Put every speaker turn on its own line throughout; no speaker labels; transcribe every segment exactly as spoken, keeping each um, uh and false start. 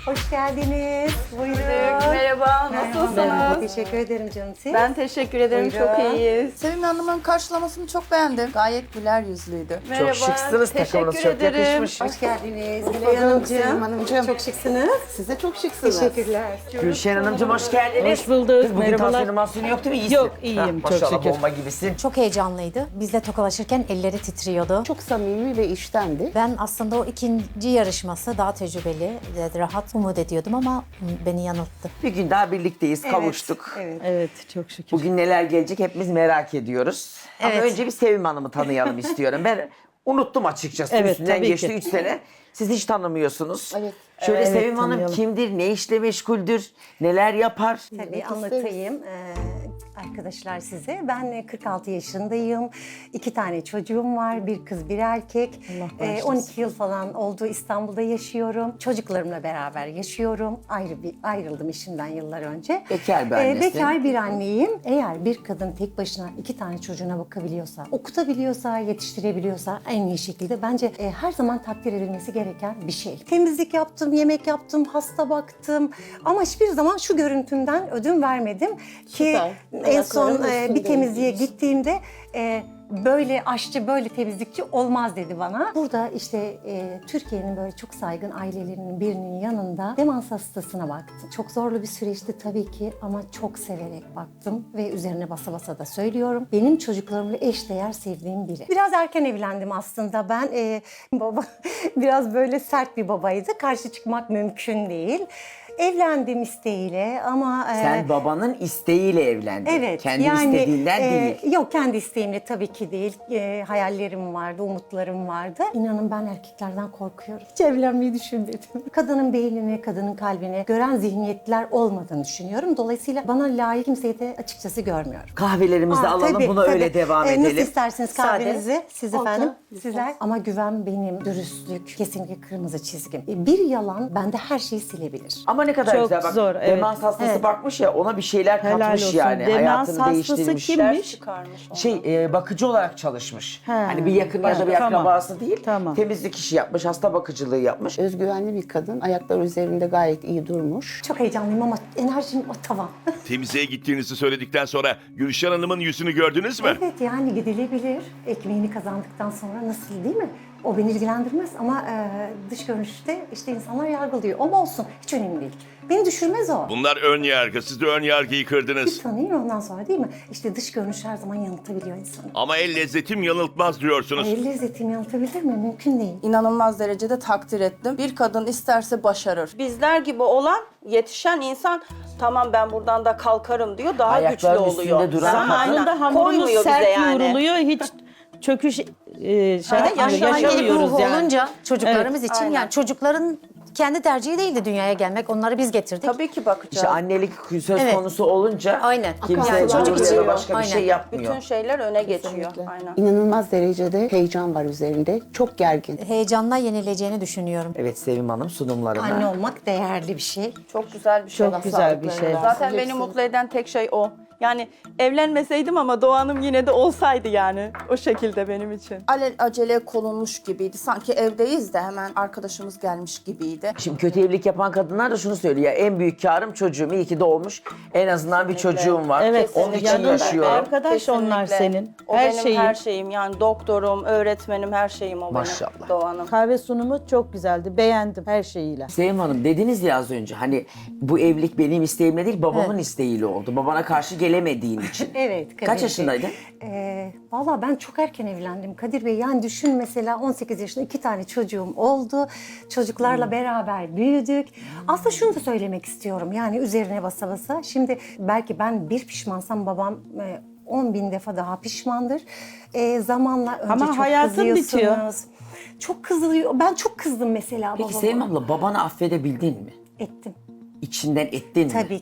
Hoş geldiniz. Buyurun.
Merhaba, nasılsınız?
Merhaba, teşekkür ederim canım. Siz?
Ben teşekkür ederim,
Buyurun.
çok iyiyiz.
Sevim Hanım'ın karşılamasını çok beğendim. Gayet güler yüzlüydü.
Merhaba,
şıksınız, takımınız
teşekkür
çok
ederim.
yakışmış.
Hoş geldiniz.
bulduk
Gülay Hanımcığım.
Sevim Hanımcığım.
Çok şıksınız.
Siz de çok şıksınız.
Teşekkürler.
Gülşen Hanımcığım hoş geldiniz.
Hoş bulduk,
Kız, bugün
merhabalar.
tansiyonun mahsunu yok değil mi? İyisin.
Yok, iyiyim, çok
maşallah,
şükür.
bomba gibisin.
Çok heyecanlıydı. Bizle tokalaşırken elleri titriyordu.
Çok samimi ve içtendi.
Ben aslında o ikinci yarışması daha tecrübeli, rahat umut ediyordum ama beni yanılttı.
Bir gün daha birlikteyiz, kavuştuk.
Evet.
Evet, çok şükür.
Bugün neler gelecek hepimiz merak ediyoruz. Ama
Evet.
önce bir Sevim Hanım'ı tanıyalım istiyorum. Ben unuttum açıkçası.
Evet,
Üstünden
tabii
geçti
ki.
üç sene. Siz hiç tanımıyorsunuz.
Evet.
Şöyle
Evet,
Sevim Hanım
tanıyalım.
kimdir, ne işle meşguldür, neler yapar?
Tabii anlatayım ee, arkadaşlar size. Ben kırk altı yaşındayım. İki tane çocuğum var. Bir kız, bir erkek. Ee, on iki yıl falan oldu İstanbul'da yaşıyorum. Çocuklarımla beraber yaşıyorum. Ayrı bir ayrıldım işimden yıllar önce.
Bekar bir
Ee,
annesin.
bekar bir anneyim. Eğer bir kadın tek başına iki tane çocuğuna bakabiliyorsa, okutabiliyorsa, yetiştirebiliyorsa en iyi şekilde bence e, her zaman takdir edilmesi gereken bir şey. Temizlik yaptım, yemek yaptım, hasta baktım ama hiçbir zaman şu görüntümden ödün vermedim ki
Süper.
en son
Ayaklarının
e, bir
üstünde
temizliğe
yürüyorsun.
gittiğimde e, böyle aşçı, böyle temizlikçi olmaz dedi bana. Burada işte e, Türkiye'nin böyle çok saygın ailelerinin birinin yanında demans hastasına baktım. Çok zorlu bir süreçti tabii ki ama çok severek baktım ve üzerine basa basa da söylüyorum. Benim çocuklarımla eşdeğer sevdiğim biri. Biraz erken evlendim aslında ben. E, baba biraz böyle sert bir babaydı. Karşı çıkmak mümkün değil. Evlendim isteğiyle ama... e,
Sen babanın isteğiyle evlendin.
Evet.
Kendi
yani,
istediğinden
e,
değil.
Yok, kendi isteğimle tabii ki değil. E, hayallerim vardı, umutlarım vardı. İnanın ben erkeklerden korkuyorum. Hiç evlenmeyi düşünmedim. Kadının beynini, kadının kalbini gören zihniyetler olmadığını düşünüyorum. Dolayısıyla bana layık kimseyi de açıkçası görmüyorum.
Kahvelerimizi
Aa,
alalım,
tabii,
buna
tabii.
öyle devam
E,
edelim.
Nasıl isterseniz kahvenizi? Siz
Oldu,
efendim?
güzel.
Sizler. Ama güven benim, dürüstlük kesinlikle kırmızı çizgim. E, Bir yalan bende her şeyi silebilir.
Ama ne kadar
Çok
güzel bak.
zor, evet.
Demans hastası
Evet.
bakmış ya, ona bir şeyler
Helal
katmış
olsun.
yani.
Demans
Hayatını
hastası
değiştirmiş.
kimmiş?
Çıkarmış onu.
Şey e, bakıcı olarak çalışmış.
He.
Hani bir yakın ya da bir
Tamam.
akrabası değil.
Tamam.
Temizlik işi yapmış, hasta bakıcılığı yapmış.
Özgüvenli bir kadın. Ayakları üzerinde gayet iyi durmuş.
Çok heyecanlıyım ama enerjim tavan.
Temizliğe gittiğinizi söyledikten sonra Gülşen Hanım'ın yüzünü gördünüz mü?
Evet, yani gidilebilir. Ekmeğini kazandıktan sonra nasıl, değil mi? O beni ilgilendirmez ama e, dış görünüşte işte insanlar yargılıyor. Ama olsun, hiç önemli değil. Beni düşürmez o.
Bunlar ön yargı. Siz de ön yargıyı kırdınız.
Bir tanıyın ondan sonra, değil mi? İşte dış görünüş her zaman yanıltabiliyor insanı.
Ama el lezzetim yanıltmaz diyorsunuz.
El lezzetini yanıltabilir mi? Mümkün değil.
İnanılmaz derecede takdir ettim. Bir kadın isterse başarır.
Bizler gibi olan, yetişen insan tamam ben buradan da kalkarım diyor, daha
Ayaklarının
güçlü oluyor.
üstünde duran
Aynen.
kadın.
Anında hamurumuz
Koymuyor bize
sert
yani.
yoğruluyor, hiç çöküş e, şey
Aynen,
yapmıyor,
yaşlı annelik
yaşamıyoruz
ruhu
yani.
olunca çocuklarımız için
aynen.
yani çocukların kendi tercihi değildi dünyaya gelmek. Onları biz getirdik.
Tabii ki bakacağız.
İşte annelik söz
Evet.
konusu olunca
Aynen.
kimse
Yani çocuk
çocuk
için-
başka bir
aynen.
şey yapmıyor.
Bütün şeyler öne geçiyor. Aynen.
İnanılmaz derecede heyecan var üzerinde. Çok gergin.
Heyecanla yenileceğini düşünüyorum.
Evet Sevim Hanım sunumlarına.
Anne olmak değerli bir şey.
Çok güzel bir şey.
Çok güzel bir şey.
Zaten beni mutlu eden tek şey o. Yani evlenmeseydim ama Doğan'ım yine de olsaydı yani. O şekilde benim için.
Alel acele konulmuş gibiydi. Sanki evdeyiz de hemen arkadaşımız gelmiş gibiydi.
Şimdi kötü evlilik yapan kadınlar da şunu söylüyor. En büyük karım çocuğum. İyi ki doğmuş. En azından bir çocuğum var.
Evet,
Onun için
yanında
yaşıyorum.
arkadaş onlar senin.
O
Her
benim
şeyin.
her şeyim. Yani doktorum, öğretmenim, her şeyim o
Maşallah.
benim. Doğan'ım.
Kahve sunumu çok güzeldi. Beğendim her şeyiyle.
Sevim Hanım dediniz ya az önce hani bu evlilik benim isteğimle değil babamın isteğiyle oldu. Babana karşı gelemediğin için.
Evet. Kadir
Kaç
Bey.
yaşındaydın?
Ee, Valla ben çok erken evlendim Kadir Bey. Yani düşün, mesela on sekiz yaşında iki tane çocuğum oldu. Çocuklarla
Hmm.
beraber büyüdük. Aslında şunu da söylemek istiyorum. Yani üzerine basa basa. Şimdi belki ben bir pişmansam babam e, on bin defa daha pişmandır. E, zamanla önce
Ama
çok
hayatın
kızıyorsunuz.
bitiyor.
Çok kızılıyor. Ben çok kızdım mesela
Peki
babama.
Sevim abla babanı affedebildin mi?
Ettim.
İçinden ettin mi?
Tabii ki.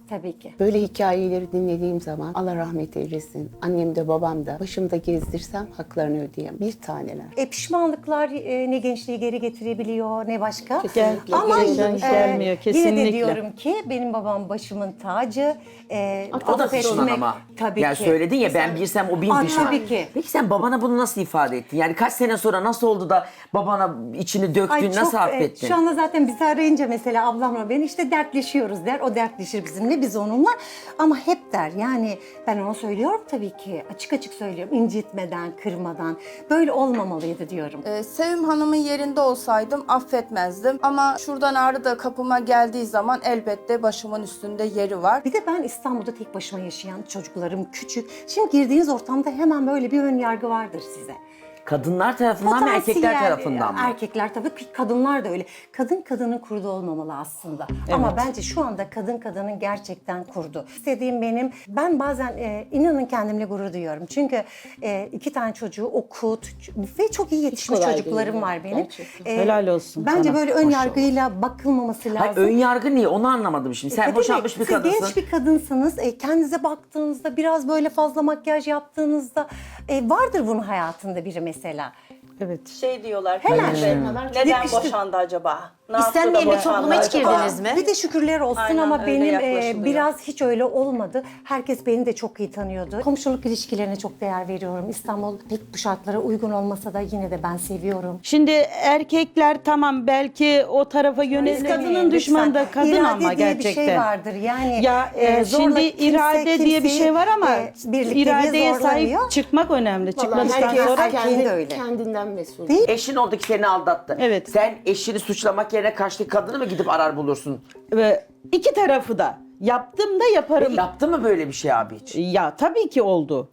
Tabii ki.
Böyle hikayeleri dinlediğim zaman Allah rahmet eylesin. Annem de babam da başımda gezdirsem haklarını ödeyemem. Bir taneler.
E, pişmanlıklar e, ne gençliği geri getirebiliyor ne başka.
Kesinlikle.
Ama
Gerçekten
e,
gelmiyor,
yine
kesinlikle.
de diyorum ki benim babam başımın tacı. E,
O da
affetmek-
pişman ama.
Tabii
yani
ki.
söyledin ya ben bilsem o bin
Aa,
pişman.
tabii ki.
Peki sen babana bunu nasıl ifade ettin? Yani kaç sene sonra nasıl oldu da babana içini döktün,
Ay
nasıl
çok, e,
affettin?
Şu anda zaten bizi arayınca mesela ablamla ben işte dertleşiyoruz der. O dertleşir bizimle, biz onunla. Ama hep der yani ben ona söylüyorum tabii ki. Açık açık söylüyorum. İncitmeden, kırmadan. Böyle olmamalıydı diyorum.
Ee, Sevim Hanım'ın yerinde olsaydım affetmezdim. Ama şuradan Ağrı da kapıma geldiği zaman elbette başımın üstünde yeri var.
Bir de ben İstanbul'da tek başıma yaşayan çocuklarım küçük. Şimdi girdiğiniz ortamda hemen böyle bir ön yargı vardır size.
Kadınlar tarafından mı erkekler
Potansiyel,
tarafından mı?
Erkekler tabii ki kadınlar da öyle. Kadın kadının kurdu olmamalı aslında. Ama bence şu anda kadın kadının gerçekten kurdu. İstediğim benim, ben bazen e, inanın kendimle gurur duyuyorum. Çünkü e, iki tane çocuğu okut ve çok iyi yetişmiş
kolay
çocuklarım
değil,
var benim.
gerçekten.
E,
Helal olsun
Bence
sana.
böyle ön yargıyla bakılmaması lazım.
Hayır, ön yargı niye? Onu anlamadım şimdi. Sen
Tabii
boşanmış
mi?
bir
Siz
kadınsın.
genç bir kadınsınız. E, kendinize baktığınızda biraz böyle fazla makyaj yaptığınızda e, vardır bunun hayatında biri mesela.
Evet.
Şey diyorlar.
Hemen.
Hemen. Neden
Yakıştı.
boşandı acaba? Ne yaptı da
İstenmeyen bir
boşandı
topluma hiç
acaba?
girdiniz mi?
Bir de şükürler olsun
Aynen,
ama
öyle
benim e,
yaklaşılıyor.
biraz hiç öyle olmadı. Herkes beni de çok iyi tanıyordu. Komşuluk ilişkilerine çok değer veriyorum. İstanbul pek bu şartlara uygun olmasa da yine de ben seviyorum.
Şimdi erkekler tamam belki o tarafa yönelik kadının düşmanı da kadın
İrade
ama
diye
gerçekten.
bir şey vardır. Yani
Ya e,
zorla
şimdi
kimse
irade diye bir
kimseyi,
şey var ama
e, birlikteliğe
iradeye
zorlamıyor.
sahip çıkmak önemli.
Vallahi
Çıkmadıktan
herkes
sonra
erkeğin de
kendi,
öyle.
kendinden mesul.
Değil.
Eşin oldu ki seni aldattı.
Evet.
Sen eşini suçlamak yerine karşıdaki kadını mı gidip arar bulursun?
ve iki tarafı da yaptım da yaparım.
Yaptı mı böyle bir şey abi hiç?
Ya tabii ki oldu.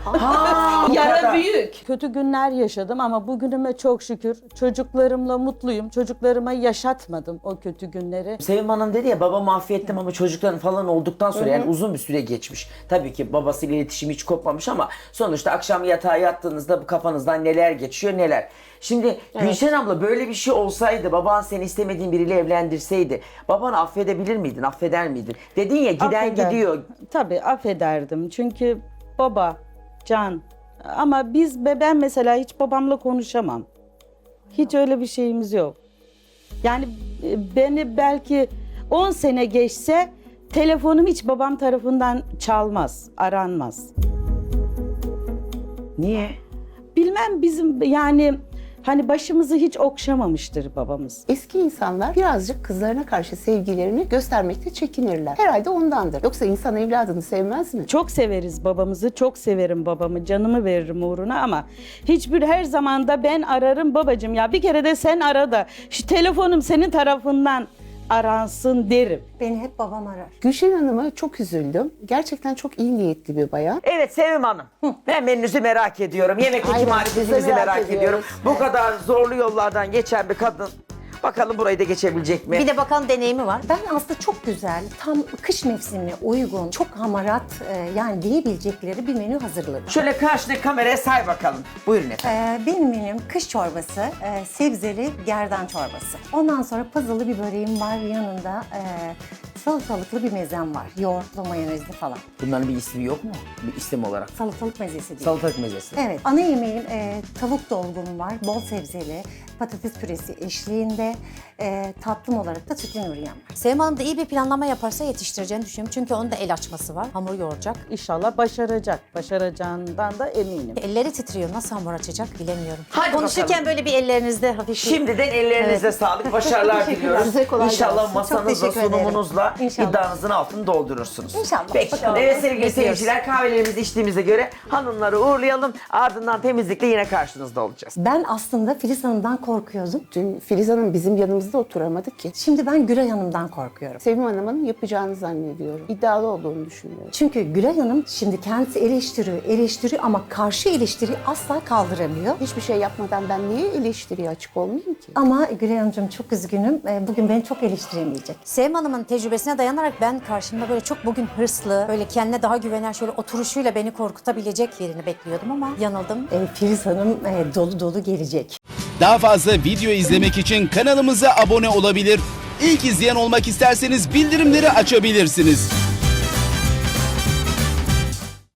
Ha,
Yara büyük. Kötü günler yaşadım ama bugünüme çok şükür çocuklarımla mutluyum. Çocuklarıma yaşatmadım o kötü günleri.
Sevim Hanım dedi ya babamı affettim ama çocukların falan olduktan sonra yani uzun bir süre geçmiş. Tabii ki babasıyla iletişim hiç kopmamış ama sonuçta akşam yatağa yattığınızda bu kafanızdan neler geçiyor neler. Şimdi Gülşen abla böyle bir şey olsaydı baban seni istemediğin biriyle evlendirseydi babanı affedebilir miydin, affeder miydin? Dedin ya giden
Affeder-
gidiyor.
Tabii affederdim çünkü baba, can ama biz ben mesela hiç babamla konuşamam. Hiç öyle bir şeyimiz yok. Yani e, beni belki on sene geçse telefonum hiç babam tarafından çalmaz, aranmaz.
Niye?
Bilmem bizim yani hani başımızı hiç okşamamıştır babamız.
Eski insanlar birazcık kızlarına karşı sevgilerini göstermekte çekinirler. Herhalde ondandır. Yoksa insan evladını sevmez mi?
Çok severiz babamızı, çok severim babamı, canımı veririm uğruna ama hiçbir her zaman da ben ararım babacığım ya bir kere de sen ara da şu telefonum senin tarafından aransın derim.
Beni hep babam arar.
Gülşen Hanım'a çok üzüldüm. Gerçekten çok iyi niyetli bir bayan.
Evet Sevim Hanım. Ben menünüzü merak ediyorum. Yemekteki
Aynen,
marifetinizi
biz de
merak,
merak
ediyorum.
ediyoruz.
Bu kadar zorlu yollardan geçen bir kadın. Bakalım burayı da geçebilecek mi?
Bir de bakalım deneyimi var.
Ben aslında çok güzel, tam kış mevsimine uygun, çok hamarat e, yani diyebilecekleri bir menü hazırladım.
Şöyle karşına kameraya say bakalım. Buyurun efendim.
Ee, benim menüm kış çorbası, e, sebzeli gerdan çorbası. Ondan sonra pazılı bir böreğim var, yanında e, salatalıklı bir mezem var. Yoğurtlu, mayonezli falan.
Bunların bir ismi yok mu? Bir isim olarak.
Salatalık mezesi değil.
Salatalık mezesi.
Evet, ana yemeğim e, tavuk dolgum var, bol sebzeli, patates püresi eşliğinde, e, tatlım olarak da sütlü nuriyem var.
Sevim Hanım da iyi bir planlama yaparsa yetiştireceğini düşünüyorum. Çünkü onun da el açması var. Hamur yoğuracak.
İnşallah başaracak. Başaracağından da eminim.
Elleri titriyor. Nasıl hamur açacak bilemiyorum.
Hadi
Konuşurken
bakalım.
böyle bir ellerinizde hafif bir-
Şimdiden ellerinize
Evet.
sağlık, başarılar
Teşekkürler.
diliyoruz.
Size kolay
İnşallah
gelsin.
masanızla,
Çok teşekkür ederim.
sunumunuzla
İnşallah.
iddianızın altını doldurursunuz.
İnşallah.
Peki.
Bakalım.
Evet sevgili
Bekliyoruz.
seyirciler kahvelerimizi içtiğimize göre hanımları uğurlayalım. Ardından temizlikle yine karşınızda olacağız.
Ben aslında Filiz Hanım'dan korkuyordum.
Dün Filiz Hanım bizim yanımızda oturamadı ki.
Şimdi ben Gülay Hanım'dan korkuyorum.
Sevim Hanım'ın yapacağını zannediyorum. İddialı olduğunu düşünüyorum.
Çünkü Gülay Hanım şimdi kendisi eleştiriyor, eleştiriyor ama karşı eleştiriyi asla kaldıramıyor.
Hiçbir şey yapmadan ben niye eleştiriye açık olmayayım ki?
Ama Gülay Hanımcığım çok üzgünüm. Ee, Bugün beni çok eleştiremeyecek.
Sevim Hanım'ın tecrübesine dayanarak ben karşımda böyle çok bugün hırslı, böyle kendine daha güvenen, şöyle oturuşuyla beni korkutabilecek birini bekliyordum ama yanıldım.
Ee, Filiz Hanım e, dolu dolu gelecek.
Daha fazla video izlemek için kanalımıza abone olabilir. İlk izleyen olmak isterseniz bildirimleri açabilirsiniz.